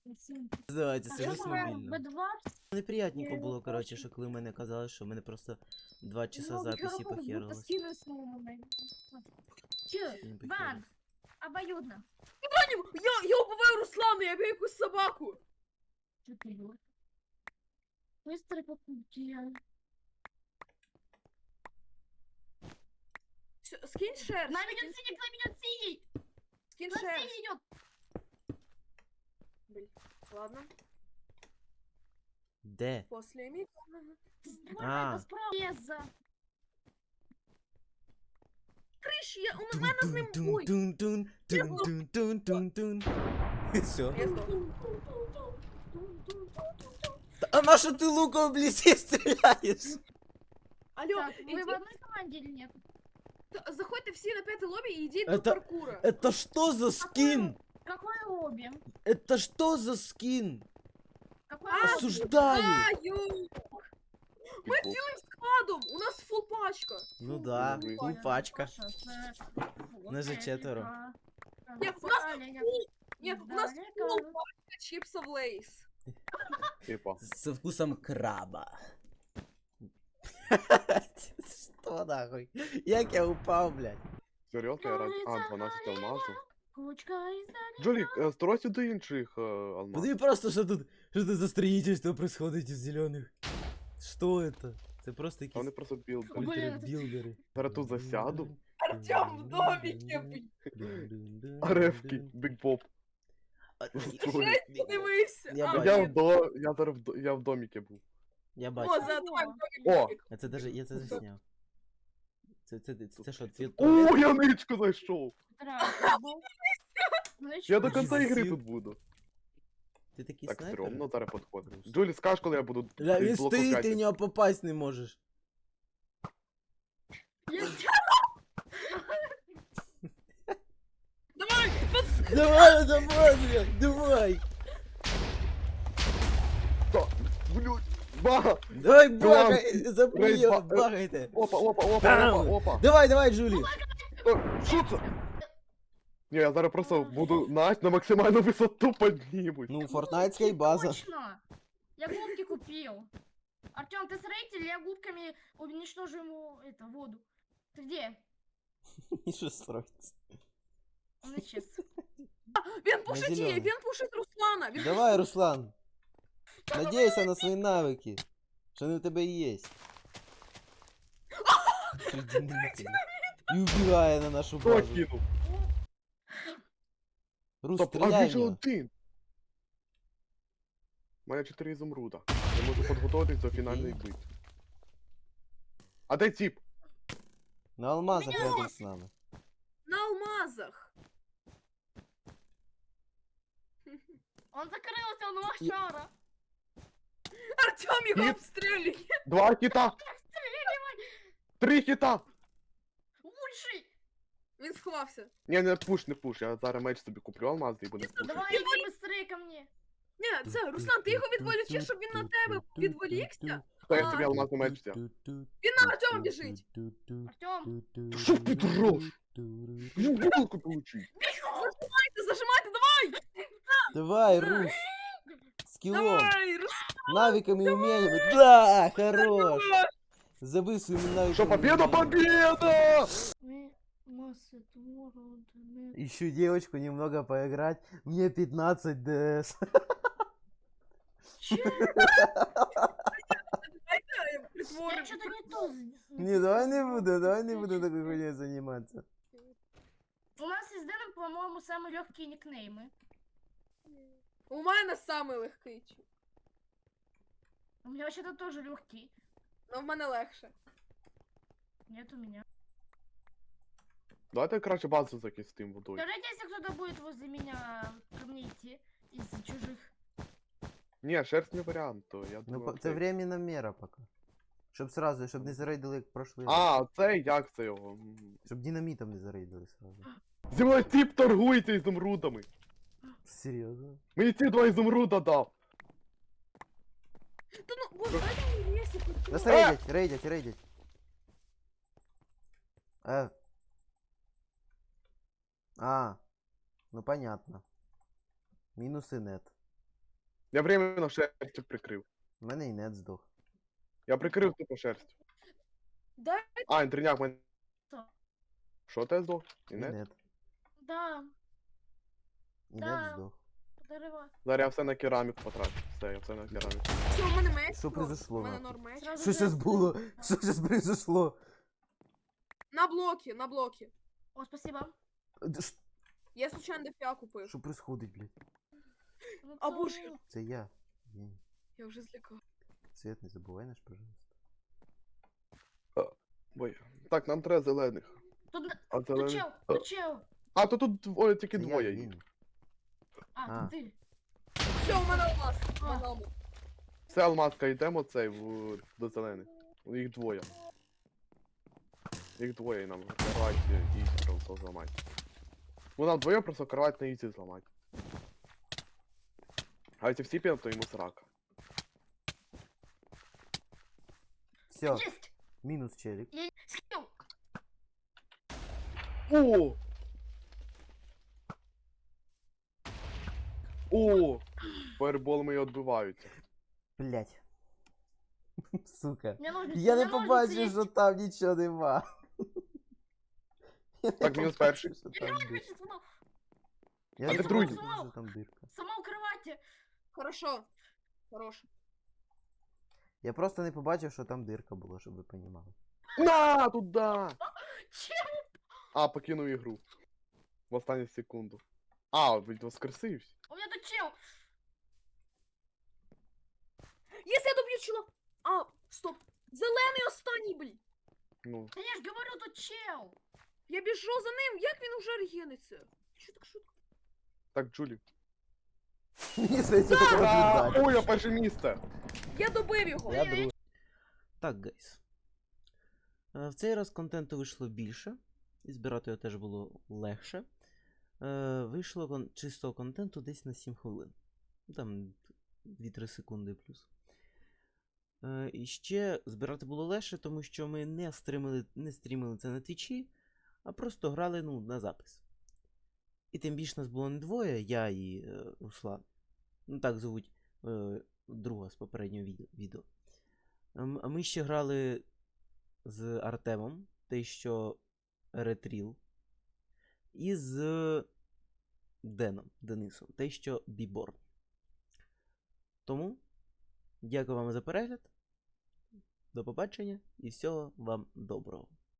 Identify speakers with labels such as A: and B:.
A: Давайте, сижу
B: Я
A: мобільно.
B: Б2.
A: Неприятненько
B: Я
A: було, коротше,
B: бачу.
A: що коли мене казали, що в мене просто 2 часа
B: Ну,
A: записі
B: будто
A: похерилось.
B: скины снова. Ван, обоюдно.
C: Я убиваю Руслана, я б'ю якусь собаку.
B: Что ты делаешь? Быстрый покупки.
C: Скинь шерсть.
B: На меня синий, на меня синий!
C: Скинь
B: На
C: шерсть.
B: синий идет!
C: Блин, ладно.
A: Де?
C: После мига.
A: А.
B: Это справа.
C: Криш, у мене з ним бой.
A: Тун-тун-тун-тун-тун-тун-тун. Все.
C: Я здох.
A: А на що ти луком в лісі стріляєш?
C: Алло,
B: Так, вы в
C: иди,
B: одной команде или нет?
C: заходьте всі на п'яте лобі і йдіть до
A: Это-
C: паркура.
A: Это что за скин?
B: Какое обе?
A: Это что за скин?
B: Какое
A: Осуждаю.
C: Аю! Ми цілим складом, у нас фул пачка.
A: Ну да,
D: Ой,
A: ну пачка. Нас же четверо.
C: Ні, у нас Ні, у нас фул пачка чіпсов Лейс.
D: Типа.
A: Со вкусом краба. Что нахуй? Як я упав, блядь?
D: Серйозно, я раз... А, 12 алмазів.
B: Кучка из
D: Джолік, стройся до інших алмазів.
A: Подиви просто, что тут за строительство происходит из зеленых. Что это? Это просто
D: Вони
A: якісь
D: просто білд.
B: Блін,
A: ультрабілдери.
D: Зараз тут засяду.
C: Артем в доміки, блін.
D: Арефки, Биг Поп.
C: Подивися.
A: Я
C: А,
A: бачу.
D: Я зараз я в доміки був.
A: Я
C: О,
A: бачу.
C: давай в
D: О!
C: доміки.
A: А це даже, я це засняв. Це що, твій
D: О,
A: туалет?
D: я ничку знайшов! Я до кінця ігри
A: Зіл.
D: тут буду.
A: Ти такий
D: Так
A: снайпер?
D: стрьомно зараз підходимо. Джолі, скаж, коли я буду
A: Бля, він
D: блок
A: стоїть, ти
D: рукати.
A: в нього попасть не можеш.
C: Давай!
A: Давай, давай, блядь, давай!
D: Та, блядь, бага!
A: Давай,
D: Давай.
A: багай, запни
D: Рейд
A: його,
D: ба-
A: багайте!
D: Опа, опа, опа,
A: Бам!
D: опа, опа!
A: Давай, давай, Джулі!
D: Що це? Ні, я зараз просто буду на максимальну висоту піднімусь.
A: Ну, фортнайтська база.
B: Точно! Я губки купил. Артем, ты строитель, я губками уничтожу ему это, воду. Ты где?
A: І що строїться?
B: Он исчез.
C: Він пушить її,
A: зелений.
C: він пушить Руслана. Він
A: Давай, Руслан! Надійся на свої навики. Що вони в тебе є. І вбігає на нашу
D: Хто
A: базу.
D: кинув?
A: Рус,
D: Стоп, а
A: стріляй
D: він
A: в
D: же
A: нього.
D: один. У мене 4 ізумруда. Я можу підготуватись до фінальної битви. А де тип?
A: На алмазах рядом з нами.
C: на алмазах.
B: Он закрылся, он лошара.
C: Артем його
D: Ні.
C: обстрілює.
D: 2 хіта! 3 хіта!
B: Лучший!
C: Він сховався.
D: Ні, не пуш, не пуш. Я зараз меч собі куплю алмазний і буду пушити.
B: Давай, иди быстрее ко мне.
C: Ні, це Руслан, ти його відволічиш, щоб він на тебе відволікся.
D: Та я собі алмазний меч взяв.
C: Він на Артема біжить.
B: Артем,
D: Що ти дрож? Ну, волку получить.
C: Зажимайте, давай!
A: Давай, Рус! Скиллом!
C: Давай, Руслан!
A: Навиками умениями. Да, хорош! Забыл своими навыками.
D: Что, победа,
A: умениями.
D: победа!
A: Ищу девочку немного поиграть. Мне 15 ДС.
B: я
C: Притворив.
B: что-то не то.
A: Не, давай не буду такой хуйней заниматься.
B: У нас из Дэном, по-моему, самые легкие никнеймы.
C: У мене самий легкий.
B: У меня вообще-то тоже легкий.
C: Но в мене легше.
B: Нет у меня.
D: Давайте краще базу закистим водою.
B: Скажите, если кто-то будет возле меня ко мне идти из чужих.
D: Ні, шерсть не варіант, то я
A: Ну,
D: думаю.
A: це временна мера пока. Щоб сразу, щоб не зарейдили як прошлий раз.
D: А, цей, як це його?
A: Щоб динамітом не зарейдили сразу.
D: Зі мною тип торгується ізумрудами.
A: Серйозно?
D: Мені ті 2 ізумруда дав.
C: Та ну, боже, дайте мені місце.
A: Нас рейдять. А, ну понятно. Минусы нет.
D: Я временно шерстю прикрив.
A: У мене і нет здох.
D: Я прикрив тупо шерстю.
C: Дай
D: А, інтерняк мене.
B: Що?
D: Що ти здох?
A: І
D: Інет?
A: нет.
B: Да,
A: І
B: Да.
A: нет здох.
B: дерева.
D: Зараз я все на кераміку потрачу. Все, я все на кераміку.
C: все, у мене меч.
A: Що произошло,
C: У мене
A: нахуй?
C: норм меч.
B: Сразу
A: Що зараз
B: жест.
A: було? Що зараз произошло?
C: На блоки, на блоки.
B: О, спасибо.
C: Я случайно ДПА купив.
A: Що происходить, блядь?
B: Ну,
C: А
B: це
C: боже.
B: ну,
A: Це я. Єнь.
C: Я вже злякав.
A: Цвет не забувай наш, пожалуйста.
D: Ой. Так, нам треба зелених.
B: Тут,
D: А
B: тут
D: зелених.
B: чел, тут чел.
D: А, то тут двоє, тільки
A: Це я,
D: двоє їх.
A: Єнь.
B: А,
A: А.
B: тут ти.
C: Все, у мене алмаз. У
B: А.
C: мене алмаз.
D: Все, алмазка, йдемо цей до зелених. Їх двоє. Їх двоє і нам кровать і просто зламати. Ну нам двоє просто кровать на ізі зламати. А якщо всі підемо, то йому срака.
A: Все,
B: Есть!
A: мінус челік.
B: Я скинул.
D: О! О! Фаербол мої відбиваються.
A: Блять. Сука.
B: Мне ножницы,
A: Я не
B: у меня ножницы
A: побачив,
B: есть.
A: що там нічого нема. Я не
D: Так, мінус
A: побачив,
D: перший.
A: що
B: Я
A: там
B: кровать
A: дирка.
B: почти сломал.
A: Я
D: А
A: не
D: ти другий.
A: побачив, що там дирка.
B: Сама у кровати.
C: Хорошо. Хорош.
A: Я просто не побачив, що там дирка була, щоб ви понімали.
D: На, туда!
B: Чел!
D: А, покинув ігру. В останню секунду. А, ведь воскресився.
B: У меня тут чел.
C: Якщо я доб'ю чела. А, стоп. Зелений останній, блін.
D: Ну,
B: Да я ж говорю, тут чел.
C: Я біжу за ним, як він уже регениться? Що так шутка?
D: так, Джулі.
A: Мені здається, таке
D: Ура!
A: наблюдати.
D: Ой, я перше місце!
C: Я добив його.
A: Я другий. Так, гайс. В цей раз контенту вийшло більше, і збирати його теж було легше. Вийшло чистого контенту десь на 7 хвилин. Там 2-3 секунди плюс. І ще збирати було легше, тому що ми не стрімили це на твічі, а просто грали на запис. І тим більше нас було не двоє, я і Руслан. Ну так звуть друга з попереднього відео. А ми ще грали з Артемом, той, що Ретріл, і з Денисом, той, що Біборн. Тому дякую вам за перегляд. До побачення і всього вам доброго.